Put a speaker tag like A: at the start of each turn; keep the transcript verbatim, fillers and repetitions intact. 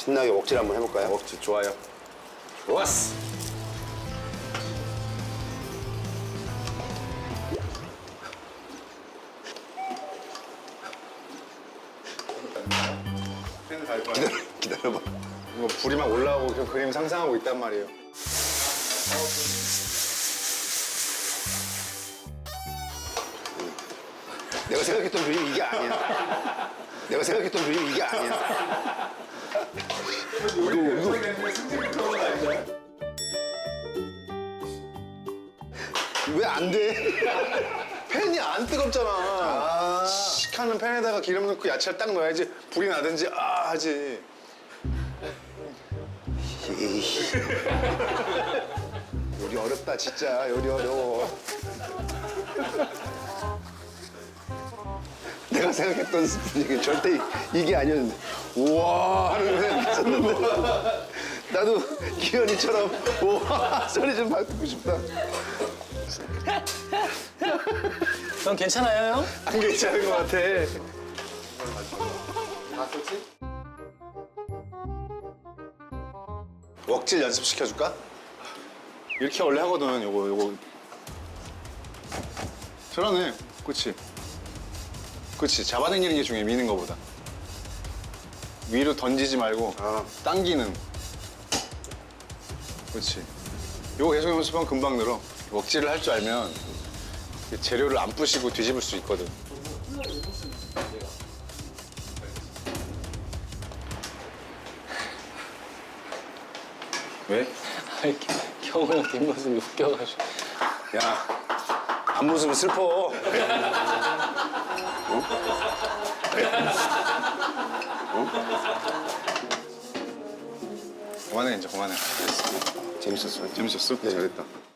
A: 신나게 웍질 한번 해볼까요?
B: 웍질 좋아요. 좋았어. 펜을 갈 거야.
A: 기다려, 기다려봐.
B: 이거 불이 막 올라오고 그 그림 상상하고 있단 말이에요.
A: 내가 생각했던 그림 이게 아니야. 내가 생각했던 그림 이게 아니야. 이거, 이거. 왜 안 돼?
B: 펜이 안 뜨겁잖아.
A: 아.
B: 씩 하는 펜에다가 기름 넣고 야채를 딱 넣어야지 불이 나든지 아 하지.
A: 에이씨. 요리 어렵다, 진짜. 요리 어려워. 내가 생각했던 스프링이 절대 이게 아니었는데. 우와 하는 거 생각했었는데. 나도 기현이처럼 우와 소리 좀 듣고 싶다.
C: 형 괜찮아요, 형?
B: 안 괜찮은 것 같아. 웍질 연습 시켜줄까? 이렇게 원래 하거든. 요거 요거. 잘하네. 그렇지. 그렇지. 잡아당기는 게 중요해. 미는 거보다. 위로 던지지 말고
A: 아.
B: 당기는. 그렇지. 요거 계속 연습하면 금방 늘어. 웍질을 할 줄 알면 재료를 안 부시고 뒤집을 수 있거든. 왜?
C: 아니, 경호 형 뒷모습이 웃겨가지고.
B: 야, 앞모습은 슬퍼. 어? 어? 그만해, 이제 그만해.
A: 재밌었어요.
B: 재밌었어?
A: 네.
B: 잘했다.